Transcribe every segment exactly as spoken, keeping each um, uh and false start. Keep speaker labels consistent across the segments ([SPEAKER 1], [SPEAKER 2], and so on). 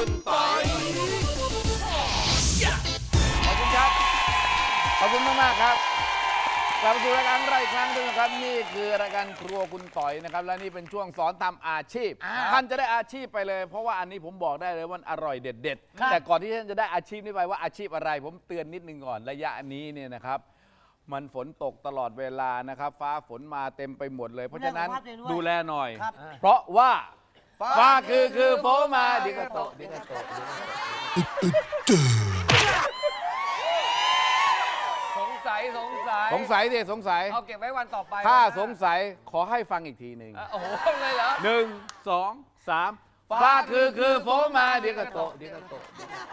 [SPEAKER 1] คุณปอยขอบคุณครับขอบคุณมากมากครับกลับมาสู่รายการเราอีกครั้งหนึ่งนะครับนี่คือรายการครัวคุณต่อยนะครับและนี่เป็นช่วงสอนทำอาชีพท่านจะได้อาชีพไปเลยเพราะว่าอันนี้ผมบอกได้เลยว่าอร่อยเด็ดๆแต่ก่อนที่ท่านจะได้อาชีพนี้ไปว่าอาชีพอะไรผมเตือนนิดนึงก่อนระยะนี้เนี่ยนะครับมันฝนตกตลอดเวลานะครับฟ้าฝนมาเต็มไปหมดเลยเพราะฉะนั้นดูแลหน่อยเพราะว่าฟ้าคือคือโฟมาดิกาโตดิกาโต
[SPEAKER 2] สงสัยสงสัย
[SPEAKER 1] สงสัยดิสงสัย
[SPEAKER 2] เอาเก็บไว้วันต่อไป
[SPEAKER 1] ถ้าสงสัยขอให้ฟังอีกทีหนึ่ง
[SPEAKER 2] โอ้โหเลยเหรอ
[SPEAKER 1] หนึ่งสองสามฟ้าคือคือโฟมาดิกาโตดิกาโต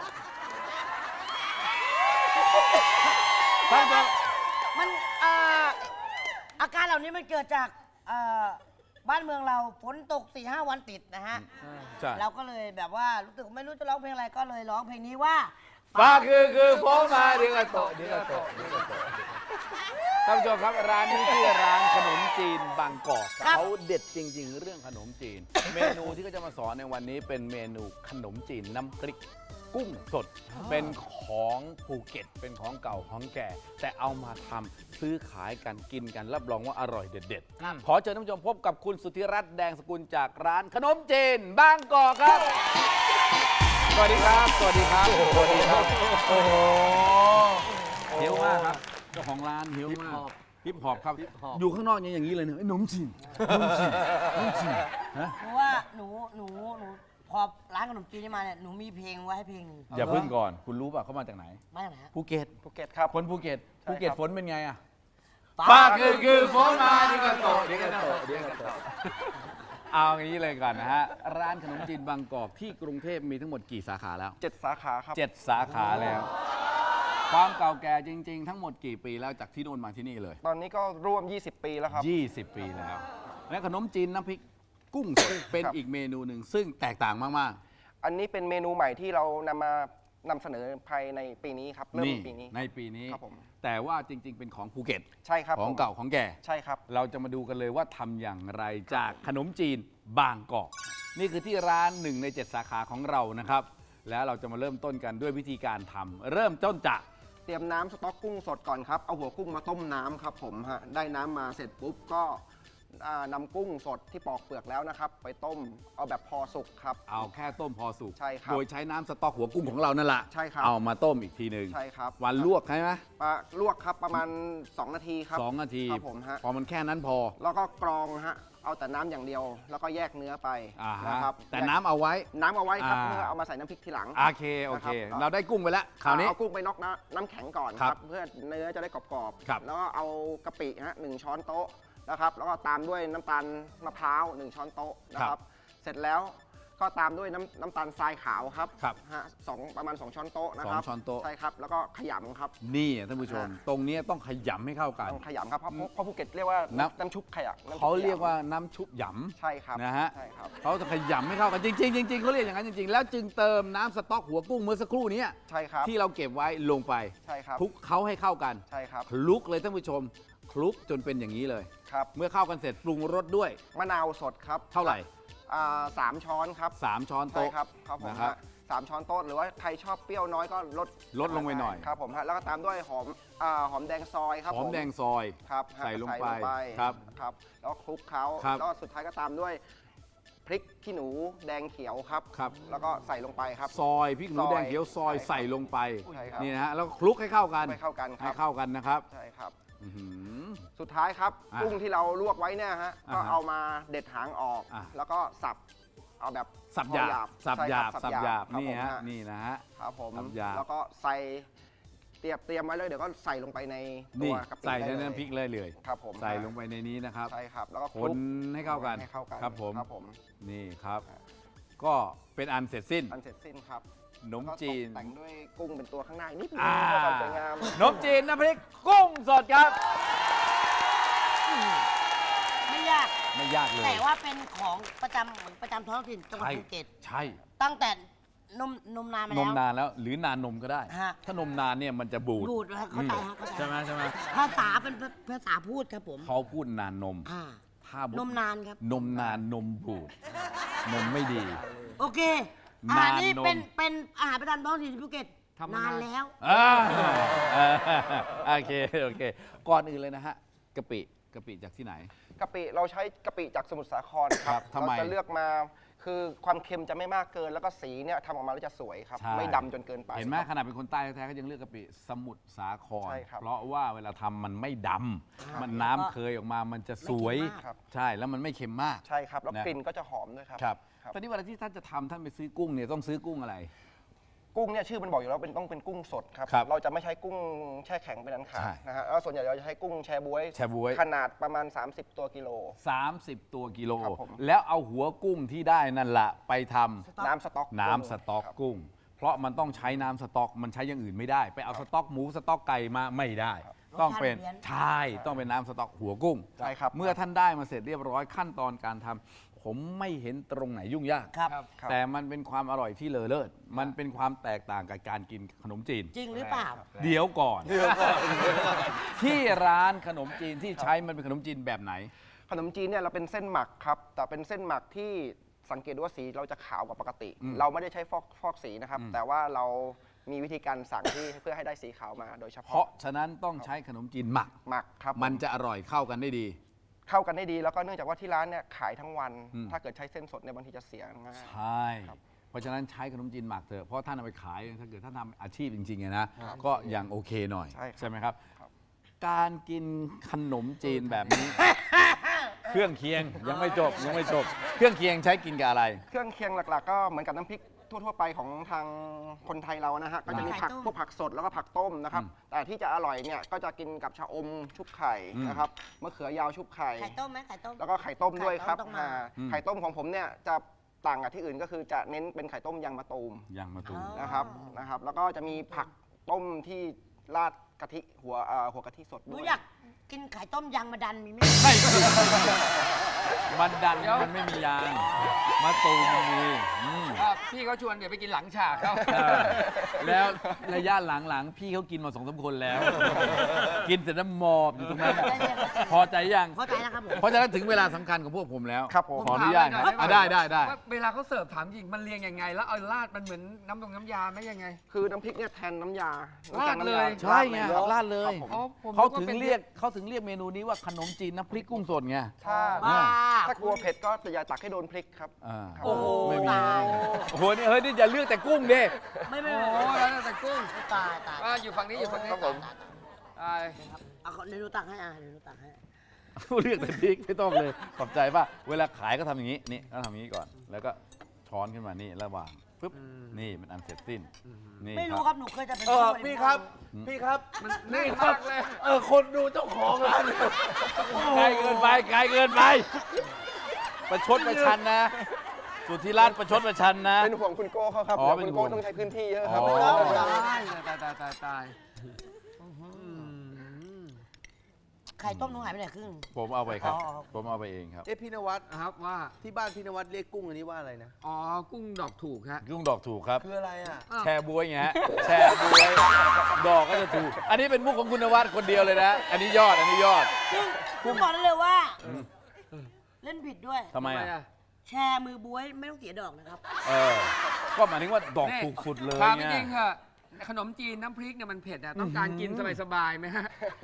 [SPEAKER 1] ท่านผู้
[SPEAKER 3] มันอาการเหล่านี้มันเกิดจากบ้านเมืองเราฝนตก สี่ห้า วันติดนะฮะเราก็เลยแบบว่ารู้สึกไม่รู้จะร้องเพลงอะไรก็เลยร้องเพลงนี้ว่า
[SPEAKER 1] ฟ้าคือคือโฟมาดิกาโตดิกาโตท่านผู้ชมครับร้านนี้ชื่อร้านขนมจีนบางกอกเขาเด็ดจริงๆเรื่องขนมจีนเมนูที่เขาจะมาสอนในวันนี้เป็นเมนูขนมจีนน้ำพริกกุ้งสดเป็นของภูเก็ตเป็นของเก่าของแก่แต่เอามาทำซื้อขายกันกินกันรับรองว่าอร่อยเด็ดๆขอเชิญท่านผู้ชมพบกับคุณสุธิรัตน์แดงสกุลจากร้านขนมจีนบางกอกครับสวัสดีครับสวัสดีครับสวัสดีครับโอ้โหหิวมากครับเจ้าของร้านหิวมากฮิปฮอปครับอยู่ข้างนอกยังอย่างนี้เลยเนี่ยขนมจีนขนมจีนขนมจีนฮะ
[SPEAKER 3] เพราะว่าหนูหนูหนูพอร้านขนมจีนนี่มาเนี่ยหนูมีเพลงไว้ให้เพลงหนึ่ง
[SPEAKER 1] อย่าพึ่งก่อนคุณรู้ป่ะเขามาจากไหน
[SPEAKER 3] มาจากไหน
[SPEAKER 1] ภูเก็ต
[SPEAKER 2] ภูเก็ตครับ
[SPEAKER 1] คนภูเก็ตภูเก็ตฝนเป็นไงอะฟ้าคือคือฝนมาดิกาโตดิกาโตดิกาโตเอาอย่างนี้เลยก่อนนะฮะร้านขนมจีนบางกอกที่กรุงเทพมีทั้งหมดกี่สาขาแล้ว
[SPEAKER 2] เจ็ดสาขาครับ
[SPEAKER 1] เจ็ดสาขาแล้วความเก่าแก่จริงๆทั้งหมดกี่ปีแล้วจากที่โน่นมาที่นี่เลย
[SPEAKER 2] ตอนนี้ก็ร่วมยี่สิบปีแล้วครับ
[SPEAKER 1] ยี่สิบปีแล้วและขนมจีนน้ำพริกกุ้งสดเป็นอีกเมนูหนึ่งซึ่งแตกต่างมาก
[SPEAKER 2] ๆอันนี้เป็นเมนูใหม่ที่เรานำมานำเสนอภายในปีนี้ครับเริ่มปีนี้
[SPEAKER 1] ในปีนี้
[SPEAKER 2] ครับผม
[SPEAKER 1] แต่ว่าจริงๆเป็นของภูเก็ต
[SPEAKER 2] ใช่ครับ
[SPEAKER 1] ของเก่าของแก่
[SPEAKER 2] ใช่ครับ
[SPEAKER 1] เราจะมาดูกันเลยว่าทำอย่างไรจากขนมจีนบางกอกนี่คือที่ร้านหนึ่งในเจ็ดสาขาของเรานะครับแล้วเราจะมาเริ่มต้นกันด้วยวิธีการทำเริ่มต้นจาก
[SPEAKER 2] เตรียมน้ำสต๊อกกุ้งสดก่อนครับเอาหัวกุ้งมาต้มน้ำครับผมฮะได้น้ำมาเสร็จปุ๊บก็นำกุ้งสดที่ปอกเปลือกแล้วนะครับไปต้มเอาแบบพอสุกครับ
[SPEAKER 1] เอาแค่ต้มพอสุก
[SPEAKER 2] ใช่ครับ
[SPEAKER 1] โดยใช้น้ำสต๊อกหัวกุ้งของเรานั่นแหละ
[SPEAKER 2] ใช่ครับ
[SPEAKER 1] เอามาต้มอีกทีหนึ่ง
[SPEAKER 2] ใช่ครับ
[SPEAKER 1] วันลวกใช่ไหม
[SPEAKER 2] ลวกครับประมาณสองนาทีครับ
[SPEAKER 1] สองนาที
[SPEAKER 2] ครับผมฮะ
[SPEAKER 1] พอมันแค่นั้นพอ
[SPEAKER 2] แล้วก็กรองฮะเอาแต่น้ำอย่างเดียวแล้วก็แยกเนื้อไปนะครับ
[SPEAKER 1] แต่น้ำเอาไว้
[SPEAKER 2] น้ำเอาไว้ครับเพื่อเอามาใส่น้ำพริกทีหลัง
[SPEAKER 1] โอเคโอเคเราได้กุ้งไปแล้วคราวนี้
[SPEAKER 2] เอากุ้งไปน็อกน้ำแข็งก่อนครับเพื่อเนื้อจะได้กรอบๆแล้วก็เอากะปิฮะหนึ่งช้อนโต๊ะนะครับแล้วก็ตามด้วยน้ำตาลมะพร้าวหนึ่งช้อนโต๊ะนะครับเสร็จแล้วก็ตามด้วยน้ำน้ำตาลทรายขาวครับฮะสองประมาณสองช้อนโต๊ะนะครับ
[SPEAKER 1] สองช้อนโต๊ะ
[SPEAKER 2] ใช่ครับแล้วก็ขยำครับ
[SPEAKER 1] นี่ท่านผู้ชมตรงนี้ต้องขยำให้เข้ากัน
[SPEAKER 2] ต้องขยำครับเพราะเพราะภูเก็ตเรียกว่าน้ำชุบขยำ
[SPEAKER 1] เขาเรียกว่าน้ำชุบหย
[SPEAKER 2] ำใช่ครับ
[SPEAKER 1] นะฮะ
[SPEAKER 2] ใช่ครับ
[SPEAKER 1] เขาจะขยำให้เข้ากันจริงๆจริงๆเขาเรียกอย่างนั้นจริงๆแล้วจึงเติมน้ำสต๊อกหัวกุ้งเมื่อสักครู่นี้
[SPEAKER 2] ใช่ครับ
[SPEAKER 1] ที่เราเก็บไว้ลงไป
[SPEAKER 2] ใช่ครับ
[SPEAKER 1] คลุกเขาให้เข้ากัน
[SPEAKER 2] ใช่ครับ
[SPEAKER 1] คลุกเลยท่านผู้ชมคลุกจนเป็นอย่างนี้เลย
[SPEAKER 2] ครับ
[SPEAKER 1] เมื่อเข้ากันเสร็จปรุงรสด้วย
[SPEAKER 2] มะนาวสดครับ
[SPEAKER 1] เท่าไหร่
[SPEAKER 2] สามช้อนครับ
[SPEAKER 1] สามช้อนโต๊ะ
[SPEAKER 2] ครับครับผมครับสามช้อนโต๊ะหรือว่าใครชอบเปรี้ยวน้อยก็ลด
[SPEAKER 1] ลดลงไปหน่อย
[SPEAKER 2] ครับผมฮะแล้วก็ตามด้วยหอมหอมแดงซอยครับ
[SPEAKER 1] หอมแดงซอย
[SPEAKER 2] ครับ
[SPEAKER 1] ใส่ลงไปครับ
[SPEAKER 2] ครับแล้วคลุกเขาแล้วสุดท้ายก็ตามด้วยพริกขี้หนูแดงเขียวครับ
[SPEAKER 1] ครับ
[SPEAKER 2] แล้วก็ใส่ลงไปครับ
[SPEAKER 1] ซอยพริกหนูแดงเขียวซอยใส่ลงไปนี่นะฮะแล้วคลุกให้เข้ากัน
[SPEAKER 2] ให้เข้ากัน
[SPEAKER 1] ให้เข้ากันนะครับ
[SPEAKER 2] ใช่ครับสุดท้ายครับกุ้งที่เราลวกไว้เนี่ยฮะก็เอามาเด็ดหางออกแล้วก็สับเอาแบบ
[SPEAKER 1] สับหยาบสับหยาบสับหยาบนี่ฮะนี่นะฮะ
[SPEAKER 2] ครับผมแล้วก็ใส่เตรียมเตรียมไว้เลยเดี๋ยวก็ใส่ลงไปในตัวกะปิ
[SPEAKER 1] ใส่ในน้ำพริกเลยเลย
[SPEAKER 2] ครับผม
[SPEAKER 1] ใส่ลงไปในนี้นะครับ
[SPEAKER 2] ใช่ครับแล้วก็
[SPEAKER 1] คนให้เข้ากันครับผม
[SPEAKER 2] ครับผม
[SPEAKER 1] นี่ครับก็เป็นอันเสร็จสิ้น
[SPEAKER 2] อันเสร็จสิ้นครับ
[SPEAKER 1] ขนมจีน
[SPEAKER 2] แต่งด้วยกุ้งเป็นตัวข้างในนิดนึงความสวยงาม
[SPEAKER 1] ขนมจีนน้ำพริกกุ้งสดครับ
[SPEAKER 3] ไม่ยาก
[SPEAKER 1] ไม่ยากเลย
[SPEAKER 3] แต่ว่าเป็นของประจำเหมือนประจำท้องถิ่นจังหวัดภูเก็ต
[SPEAKER 1] ใช่
[SPEAKER 3] ตั้งแต่นมนมนานมาแล้ว
[SPEAKER 1] นมนานแล้วหรือนานนมก็ได้ถ้านมนานเนี่ยมันจะบูด
[SPEAKER 3] บูดเข้าใจฮะ
[SPEAKER 1] ใช่ไหมใช่ไหม
[SPEAKER 3] ภาษาเป็นภาษาพูดครับผม
[SPEAKER 1] เขาพูดนานนม
[SPEAKER 3] ถ้านมนานครับ
[SPEAKER 1] นมนานนมบูดนมไม่ดี
[SPEAKER 3] โอเคอาหาร
[SPEAKER 1] นาน
[SPEAKER 3] นี้
[SPEAKER 1] น
[SPEAKER 3] เป็น
[SPEAKER 1] ม
[SPEAKER 3] เป็นอาหารประจำท้องถิ่นภูเก็ต
[SPEAKER 4] ทำมานาน
[SPEAKER 3] นานแล้ว
[SPEAKER 1] อ่าอ่าโอเคโอเค ก่อนอื่นเลยนะฮะกะปิกะปิจากที่ไหน
[SPEAKER 2] กะปิเราใช้กะปิจากสมุทรสาครค
[SPEAKER 1] ครั
[SPEAKER 2] รั
[SPEAKER 1] บบ ทำไม
[SPEAKER 2] เราจะเลือกมาคือความเค็มจะไม่มากเกิน แล้วก็สีเนี่ยทำออกมาแล้วจะสวยครับ
[SPEAKER 1] ใช่
[SPEAKER 2] ไม่ดำจนเกินไป
[SPEAKER 1] เห็นไหม
[SPEAKER 2] ครับ
[SPEAKER 1] ขนาดเป็นคนใต้แท้ๆก็ยังเลือกกะปิสมุทรสาคร
[SPEAKER 2] ใช่ครับ
[SPEAKER 1] เพราะว่าเวลาทำมันไม่ดำมันน้ำเคยออกมามันจะสวย
[SPEAKER 3] ไม่เค็มมาก
[SPEAKER 2] ครับ
[SPEAKER 1] ใช่แล้วมันไม่เค็มมาก
[SPEAKER 2] ใช่ครับ แล้ว
[SPEAKER 1] นะ
[SPEAKER 2] กลิ่นก็จะหอมด้วยครับ
[SPEAKER 1] ครับ
[SPEAKER 2] ครับ
[SPEAKER 1] ตอนนี้เวลาที่ท่านจะทำท่านไปซื้อกุ้งเนี่ยต้องซื้อกุ้งอะไร
[SPEAKER 2] กุ้งเนี่ยชื่อมันบอกอยู่แล้วเป็นต้องเป็นกุ้งสดครับ
[SPEAKER 1] ครับ
[SPEAKER 2] เราจะไม่ใช้กุ้งแช่แข็งเป็นอันขาด
[SPEAKER 1] ใช่
[SPEAKER 2] นะฮะแล้วส่วนใหญ่เราจะใช้กุ้งแช่บ๊วย
[SPEAKER 1] แช่บ๊วย
[SPEAKER 2] ขนาดประมาณ สามสิบ ตัวกิโล
[SPEAKER 1] สามสิบ ตัวกิโล
[SPEAKER 2] ครับผม
[SPEAKER 1] แล้วเอาหัวกุ้งที่ได้นั่นแหละไปทำ
[SPEAKER 2] น้ำสต๊อก
[SPEAKER 1] น้ำสต๊อก
[SPEAKER 2] ครับ
[SPEAKER 1] กุ้ง เพราะมันต้องใช้น้ำสต๊อกมันใช้อย่างอื่นไม่ได้ ไปเอาสต๊อกหมูสต๊อกไก่มาไม่ได้ ต้องเป็น
[SPEAKER 3] รสชาติเปลี่ยน
[SPEAKER 1] ใช่ต้องเป็นน้ำสต๊อกหัวกุ้ง
[SPEAKER 2] ใช่ครับ
[SPEAKER 1] เมื่อท่านได้มาเสร็จเรียบร้อยขั้นตอนการทำผมไม่เห็นตรงไหนยุ่งยาก
[SPEAKER 3] ครับ
[SPEAKER 4] ครับ
[SPEAKER 2] ครับ
[SPEAKER 1] แต่มันเป็นความอร่อยที่เลอเลิศมันเป็นความแตกต่างกับการกินขนมจีน
[SPEAKER 3] จริงหรือเปล่า
[SPEAKER 1] เดี๋ยวก่อน ที่ร้านขนมจีนที่ใช้มันเป็นขนมจีนแบบไหน
[SPEAKER 2] ขนมจีนเนี่ยเราเป็นเส้นหมักครับ แต่เป็นเส้นหมักที่สังเกตดูว่าสีเราจะขาวกว่าปกติ
[SPEAKER 1] อืม
[SPEAKER 2] เราไม่ได้ใช้ฟอกฟอกสีนะครับ
[SPEAKER 1] อืม
[SPEAKER 2] แต่ว่าเรามีวิธีการสั่งที่เพื่อให้ได้สีขาวมาโดยเฉ
[SPEAKER 1] เพ
[SPEAKER 2] พาะ
[SPEAKER 1] ราะฉะนั้นต้องใช้ขนมจีนหมัก
[SPEAKER 2] หมักครับ
[SPEAKER 1] มันจะอร่อยเข้ากันได้ดี
[SPEAKER 2] เข้ากันได้ดี แล้วก็เนื่องจากว่าที่ร้านเนี่ยขายทั้งวัน
[SPEAKER 1] อืม
[SPEAKER 2] ถ้าเกิดใช้เส้นสดเนี่ยบางทีจะเสียง่าย
[SPEAKER 1] ใช่ เพราะฉะนั้นใช้ขนมจีนหมักเถอะ เพราะท่านเอาไปขายถ้าเกิดท่านทำอาชีพจริงๆอะนะ ก็ยังโอเคหน่อย
[SPEAKER 2] ใช่ครับ
[SPEAKER 1] ใช่ไหมครับ
[SPEAKER 2] ครับ
[SPEAKER 1] การกินขนมจีนแบบนี้ เครื่องเคียงยังไม่จบยังไม่จบ เครื่องเคียงใช้กินกับอะไร
[SPEAKER 2] เครื่องเคียงหลักๆ ก็เหมือนกับน้ำพริกทั่วๆไปของทางคนไทยเรานะฮะก็จะมีผัก
[SPEAKER 3] ไข่ต้ม
[SPEAKER 2] พวกผักสดแล้วก็ผักต้มนะครับ
[SPEAKER 1] อืม
[SPEAKER 2] แต่ที่จะอร่อยเนี่ยก็จะกินกับชะอมชุบไข่
[SPEAKER 1] อืม
[SPEAKER 2] นะครับมะเขือยาวชุบไข่
[SPEAKER 3] ไข่ต้มไหมไข่ต้ม
[SPEAKER 2] แล้วก็ไข่ต้มด้วยครับ
[SPEAKER 3] ไข่ต้มต้องมา
[SPEAKER 2] อ่า
[SPEAKER 1] อืม
[SPEAKER 2] ไข่ต้มของผมเนี่ยจะต่างกับที่อื่นก็คือจะเน้นเป็นไข่ต้มยางมะตูม
[SPEAKER 1] ยังมาตูม
[SPEAKER 3] อ๋อ
[SPEAKER 2] นะครับนะครับ แล้วก็จะมีผักต้มที่ราดกะทิหัวเอ่อหัวกะทิสด
[SPEAKER 3] หนู
[SPEAKER 2] ด้วย
[SPEAKER 3] อยากกินไข่ต้มยางมะดันมีไหม
[SPEAKER 1] ไม่มันดันมันไม่มียางมาตูมมันมีอืม
[SPEAKER 4] อ่ะพี่เขาชวนเดี๋ยวไปกินหลังฉากเขา
[SPEAKER 1] เออแล้วระยะหลังๆ พี่เขากินมาสองสามคนแล้ว กินเสร็จแล้วหมอบอยู่ตรงนั้นน่ะพอใจยัง
[SPEAKER 3] เข้าใจแล้วครับผม
[SPEAKER 1] เพราะฉะนั้นถึงเวลาสำคัญของพวกผมแล้ว
[SPEAKER 2] ครับผม
[SPEAKER 1] ขออนุญาต
[SPEAKER 4] ผม
[SPEAKER 1] ค
[SPEAKER 4] ถาม
[SPEAKER 1] รับ
[SPEAKER 4] หน่อย
[SPEAKER 1] อ่ะได้ได้ได้
[SPEAKER 4] ว่าเวลาเขาเสิร์ฟถามจริงมันเรียงยังไง แล้วเอาราดมันเหมือนน้ำดงน้ำยาไหมยังไง
[SPEAKER 2] คือน้ำพริกเนี่ยแทนน้ำยา
[SPEAKER 4] ราดเลย
[SPEAKER 2] น้ำ
[SPEAKER 1] ใช่ไง
[SPEAKER 2] ราด
[SPEAKER 1] ราดเลย
[SPEAKER 2] ครับผม
[SPEAKER 4] อ๋อผม
[SPEAKER 1] เขา
[SPEAKER 4] นึว่
[SPEAKER 1] ถึง
[SPEAKER 4] ป็น
[SPEAKER 1] เรียกเขาถึงเรียกเมนูนี้ว่าขนมจีนน้ำพริกกุ้งสดไง
[SPEAKER 2] ถ้า
[SPEAKER 3] บ้า
[SPEAKER 2] ถ้ากลัวเผ็ดก็อย่าตักให้โดนพริกครับ
[SPEAKER 1] อ่า
[SPEAKER 3] โอ้โห
[SPEAKER 1] ไม่มี
[SPEAKER 3] ตาย
[SPEAKER 1] โอ้โหนี่เฮ้ยนี่อย่าเลือกแต่กุ้งดิ
[SPEAKER 3] ไม่ไม่
[SPEAKER 4] โอ้
[SPEAKER 3] ไม่
[SPEAKER 4] โหแล้วแต่กุ้ง
[SPEAKER 3] ตายตาย
[SPEAKER 4] อ่ะอยู่ฝั่งนี้อยู่ฝั่งนี้
[SPEAKER 2] ครับผม
[SPEAKER 4] อ่า
[SPEAKER 3] เอาเดี๋ยวหนูตักให้อ่ะเดี๋ยวหนูตักให้
[SPEAKER 1] เลือกแต่พริกไม่ต้องเลยขอบใจป่ะเวลาขายก็ทำอย่างนี้นี่ก็ทำอย่างนี้ก่อน แล้วก็ช้อนขึ้นมานี่ระหว่างปุ๊บนี่มันอันเสร็จสิ้นนี่
[SPEAKER 3] ไม่รู้
[SPEAKER 1] ค
[SPEAKER 3] ครับ รับหนูเคยจะเป็น
[SPEAKER 5] เออ
[SPEAKER 3] ผู้บ
[SPEAKER 5] พี่
[SPEAKER 3] ริ
[SPEAKER 5] ครับ
[SPEAKER 1] อืม
[SPEAKER 5] พี่ครับ
[SPEAKER 4] มันแน่นมากเลย
[SPEAKER 5] เออคนดูเจ้าของร้าน
[SPEAKER 1] ไกลเกินไปไกลเกินไป ประชดประชันนะ สุทธิรัตน์ประชดประชันนะ
[SPEAKER 2] เป็นห่วงคุณโก้เขาครับ
[SPEAKER 1] อ๋อ
[SPEAKER 2] เดี๋ยว
[SPEAKER 1] เป็น
[SPEAKER 2] คุณ
[SPEAKER 1] ห่ว
[SPEAKER 2] โก้
[SPEAKER 1] ง
[SPEAKER 2] ต้องใช้พื้นที่เยอะครับ
[SPEAKER 1] อ๋อ
[SPEAKER 4] ตายตายตายตายตาย
[SPEAKER 3] ไข่ต้มหนูหายไปไหนครึ่ง
[SPEAKER 1] ผมเอาไปครับ
[SPEAKER 3] อ๋อ
[SPEAKER 1] ผมเอาไปเองครับ
[SPEAKER 5] เอ๊ะพี่นวัด
[SPEAKER 4] ครับว่า
[SPEAKER 5] ที่บ้านพี่นวัดเรียกกุ้งอันนี้ว่าอะไรนะ
[SPEAKER 4] อ๋อกุ้งดอกถูกฮะ
[SPEAKER 1] ยุ่งดอกถูกครับ
[SPEAKER 5] คืออะไรอ่ะ
[SPEAKER 1] แชร์บวยไงฮะแชร์บวยดอกก็จะถูก อันนี้เป็นมุกของคุณนวัดคนเดียวเลยนะ อันนี้ยอดอันนี้ยอด
[SPEAKER 3] ซึ่งผมบอกได้เลยว่า เล่นผิดด้วย
[SPEAKER 1] ทำไมอ่ะ
[SPEAKER 3] แชร์มือบวยไม่ต้องเสียดอกนะครับ
[SPEAKER 1] เออก็หมายถึงว่าดอกถูกสุดเลย
[SPEAKER 4] ถามจ
[SPEAKER 1] ไง
[SPEAKER 4] ริงๆเหอะขนมจีนน้ำพริกเนี่ยมันเผ็ดอะต้องการกินสบายๆไหมฮะ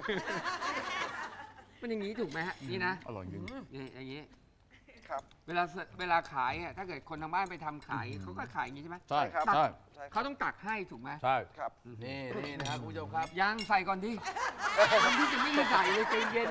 [SPEAKER 4] มันอย่างนี้ถูกไหมฮะนี่นะ
[SPEAKER 1] อร่อยจริง
[SPEAKER 4] นี่อย่างนี้
[SPEAKER 2] ครับ
[SPEAKER 4] เวลาเสิร์ฟเวลาขายอะถ้าเกิดคนทางบ้านไปทำขายเขาก็ขายอย่างนี้ใช่ไหม
[SPEAKER 1] ใช่
[SPEAKER 2] ครับ
[SPEAKER 1] ใช่
[SPEAKER 2] ใช่ค
[SPEAKER 4] เขา
[SPEAKER 2] รับ
[SPEAKER 4] ต้องตักให้ถูกไหม
[SPEAKER 1] ใช่
[SPEAKER 2] ครับ
[SPEAKER 5] นี่นี่นะครับคุณผู้ชมครับ
[SPEAKER 4] ยังใส่ก่อนที่น้ำพริกยังไม่ได้ใส่เลยใจเย็น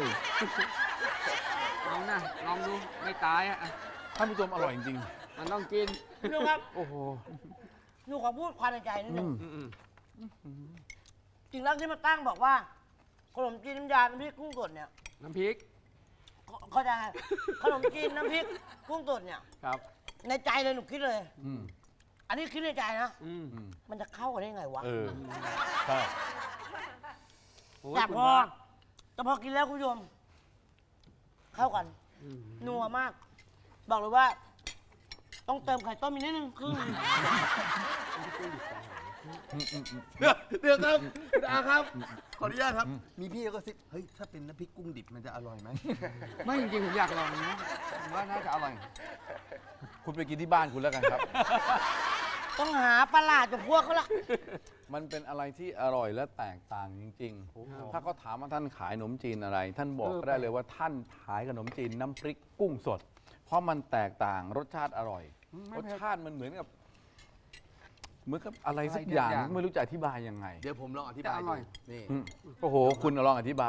[SPEAKER 4] ลองนะลองดูไม่ตายอะอะ
[SPEAKER 1] ท่านผู้ชมอร่อยจริง
[SPEAKER 4] มันต้องกิน
[SPEAKER 3] พี่ลุงครับ
[SPEAKER 1] โอ้โห
[SPEAKER 3] หนูขอพูดความในใจนิดนึง
[SPEAKER 4] อืม
[SPEAKER 3] จริงแล้วที่มาตั้งบอกว่าขนมจีนน้ำยาน้ำพริกกุ้งสดเนี่ย
[SPEAKER 4] ๆน้ำพริก
[SPEAKER 3] เขาเขาใจะขนมจีนน้ำพริกกุ้งสดเนี่ย
[SPEAKER 4] ครับ
[SPEAKER 3] ในใจเลยหนูคิดเลย
[SPEAKER 1] อืม
[SPEAKER 3] อันนี้คิดในใจนะ
[SPEAKER 4] อืม
[SPEAKER 1] อืม
[SPEAKER 3] มันจะเข้ากันได้ไงวะ
[SPEAKER 1] เออใช่
[SPEAKER 4] โอ้ย
[SPEAKER 3] แต่
[SPEAKER 4] คุณ
[SPEAKER 3] พอ
[SPEAKER 4] พระ
[SPEAKER 3] แต่พอกินแล้วคุณผู้ชม เข้ากัน
[SPEAKER 4] อืม
[SPEAKER 3] นัวมาก บอกเลยว่า ต้องเติมไข่ต้มอีกนิดนึงครึ่ง
[SPEAKER 5] เดี๋ยวเดี๋ยวครับคุณอาครับ ขออนุญาตครับ มีพี่ก็ซิบเฮ้ย ถ้าเป็นน้ำพริกกุ้งดิบมันจะอร่อยไหม
[SPEAKER 4] ไม่จริงๆผมอยากลองนะผมว่าน่าจะอร่อย
[SPEAKER 1] คุณไปกินที่บ้านคุณแล้วกันครับ
[SPEAKER 3] ต้องหาประหลาดกับพวกเขาละ
[SPEAKER 1] มันเป็นอะไรที่อร่อยและแตกต่างจริงๆ ถ้าเขาถามว่าท่านขายขนมจีนอะไร ท่านบอกก็ได้เลยว่าท่านขายขนมจีนน้ำพริกกุ้งสด เพราะมันแตกต่างรสชาติอร่อย รสชาติมันเหมือนกับเหมือนกับอะไรสักอย่างไม่รู้จะอธิบายยังไง
[SPEAKER 5] เดี๋ยวผมลองอธิบาย
[SPEAKER 4] แต่อ
[SPEAKER 5] ดู
[SPEAKER 4] ร่อย
[SPEAKER 5] นี่
[SPEAKER 1] อืมโอ้โห คุณลองอธิบาย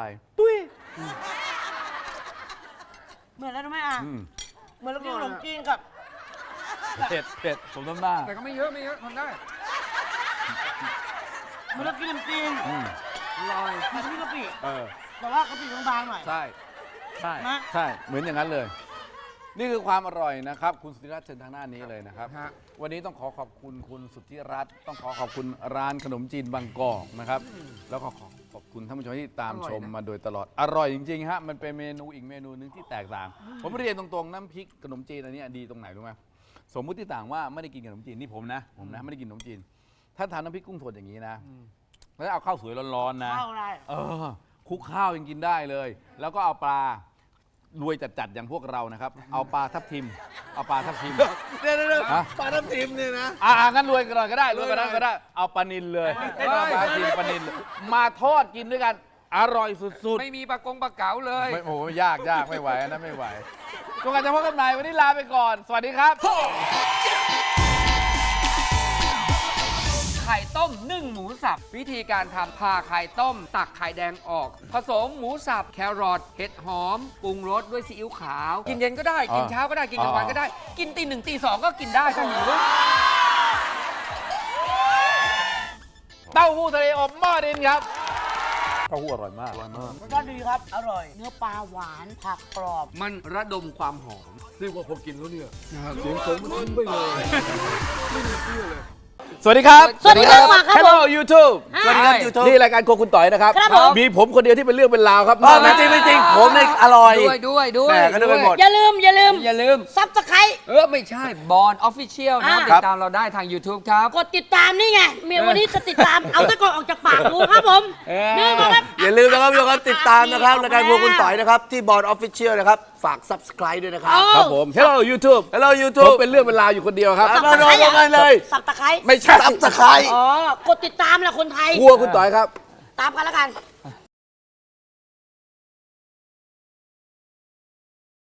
[SPEAKER 3] เหมือนแล้วรู้ไหมอ่ะ
[SPEAKER 1] อืม
[SPEAKER 3] เหมือนเรากินขนมจีนกับ
[SPEAKER 1] เผ็ดเผ็ดผมน้ำหน้า
[SPEAKER 4] แต่ก็ไม่เยอะไม่เยอะทนได้
[SPEAKER 3] เหมือนเรากินขนมจีน
[SPEAKER 1] อืม
[SPEAKER 4] อร่อย
[SPEAKER 3] มีน้ำพริกกะปิ
[SPEAKER 1] เออ
[SPEAKER 3] แต่ว่ากะปิบางๆหน่อย
[SPEAKER 1] ใช่ใช่
[SPEAKER 3] นะ
[SPEAKER 1] ใช่ เหมือนอย่างนั้นเลย นี่คือความอร่อยนะครับ คุณสุธิรัตน์เชิญทางหน้านี้เลยนะครับ
[SPEAKER 4] ฮะ
[SPEAKER 1] วันนี้ต้องขอขอบคุณคุณสุทธิรัตน์ต้องขอขอบคุณร้านขนมจีนบางกอกนะครับ แล้วก็ขอขอบคุณท่านผู้ชมที่ตามชมมาโดยตลอด อร่อยจริงๆฮะ มันเป็นเมนูอีกเมนูหนึงที่แตกต่าง ผมเรียนตรงๆน้ำพริกขนมจีนอันนี้ดีตรงไหนรู้ไหมสมมุติต่างว่าไม่ได้กินขนมจีนนี่ผมนะ ผมนะไม่ได้กินขนมจีน ถ้าทานน้ำพริกกุ้งสดอย่างนี้นะ แล้วเอาข้าวสวยร้อนๆนะ
[SPEAKER 3] ข้าวอะไร
[SPEAKER 1] เออคลุกข้าวยังกินได้เลย แล้วก็เอาปลารวยจัดๆอย่างพวกเรานะครับ เอาปลาทับทิม เอาปลาทับทิม
[SPEAKER 5] เดี๋ยวเดี๋ยว
[SPEAKER 1] ฮะ
[SPEAKER 5] ปลาทับทิมเนี่ยนะ
[SPEAKER 1] อ่างั้นรวยกันหน่อยก็ได้รวยกันหน่อยก็ได้ เอาปลานิลเลยเอาปลาทับทิมปลานิลเลยมาทอดกินด้วยกัน อร่อยสุด
[SPEAKER 4] ไม่มีปลากงปลาเก๋าเลย
[SPEAKER 1] ๆไม่โอ้โหยากยากไม่ไหวอันนั้นไม่ไหวจนกว่าจะพบกันใหม่วันนี้ลาไปก่อน สวัสดีครับ
[SPEAKER 4] ไข่ต้มนึ่งหมูสับ วิธีการทำผ่าไข่ต้ม ตักไข่แดงออก ผสมหมูสับ แครอทเห็ดหอมปรุงรสด้วยซีอิ๊วขาว กินเย็นก็ได้ กินเช้าก็ได้ กินกลางวันก็ได้ กินตีหนึ่งตีสองก็กินได้ถ้าหิว
[SPEAKER 1] เต้าหู้ทะเลอบหม้อดินครับ เต้าหู้อร่อยมาก
[SPEAKER 3] รสชาติดีครับ อร่อย เนื้อปลาหวานผักกรอบ
[SPEAKER 4] มันระดมความหอม
[SPEAKER 5] เรียกว่าพอกินแล้วเนี่ยเสียงผมมันทิ้งไปเลย
[SPEAKER 1] สวัสดีครับ
[SPEAKER 3] สวัสดีครับมาครับ
[SPEAKER 1] Hello YouTube
[SPEAKER 3] สวัสดีครับ
[SPEAKER 5] YouTube
[SPEAKER 1] นี่รายการโครัวคุณต่อยนะครับ
[SPEAKER 3] ครับผม
[SPEAKER 1] มีผมคนเดียวที่เป็นเรื่องเป็นราวครับ
[SPEAKER 5] ไม่จริงไม่จริงผมเนี่ยอร่อย
[SPEAKER 4] ด้วยด้วยด้วย
[SPEAKER 5] แหม่ก็นึกไปหมด
[SPEAKER 3] อย่าลืม อย่าลืม
[SPEAKER 4] อย่าลืม
[SPEAKER 3] ซับสไคร
[SPEAKER 4] เออ ไม่ใช่บอลออฟฟิเชียลนะ
[SPEAKER 3] อ่า
[SPEAKER 4] ติดตามเราได้ทาง YouTube ครับ
[SPEAKER 3] กดติดตามนี่ไง เมียวันนี้จะติดตาม เอาตะกอนออกจากปากกูครับผม
[SPEAKER 4] เออ
[SPEAKER 3] นี่มาครับ
[SPEAKER 5] อย่าลืมนะครับทุกคนติดตามนะครับรายการพวกคุณต่อยนะครับ ที่บอร์ดออฟฟิเชียลนะครับ ฝาก subscribe ด้วยนะครับ
[SPEAKER 1] ครับผม Hello YouTube
[SPEAKER 5] Hello
[SPEAKER 1] ผม
[SPEAKER 5] YouTube
[SPEAKER 1] เป็นเรื่องเป็นราวอยู่คนเดียวครับ
[SPEAKER 5] ครับ มาลงกันเลย
[SPEAKER 3] สับตะไคร้
[SPEAKER 1] ไม่ใช่
[SPEAKER 5] subscribe
[SPEAKER 3] อ๋อ กดติดตามแหละคนไทย
[SPEAKER 1] ครัวคุณต่อยครับ
[SPEAKER 3] ตามกันแล้วกัน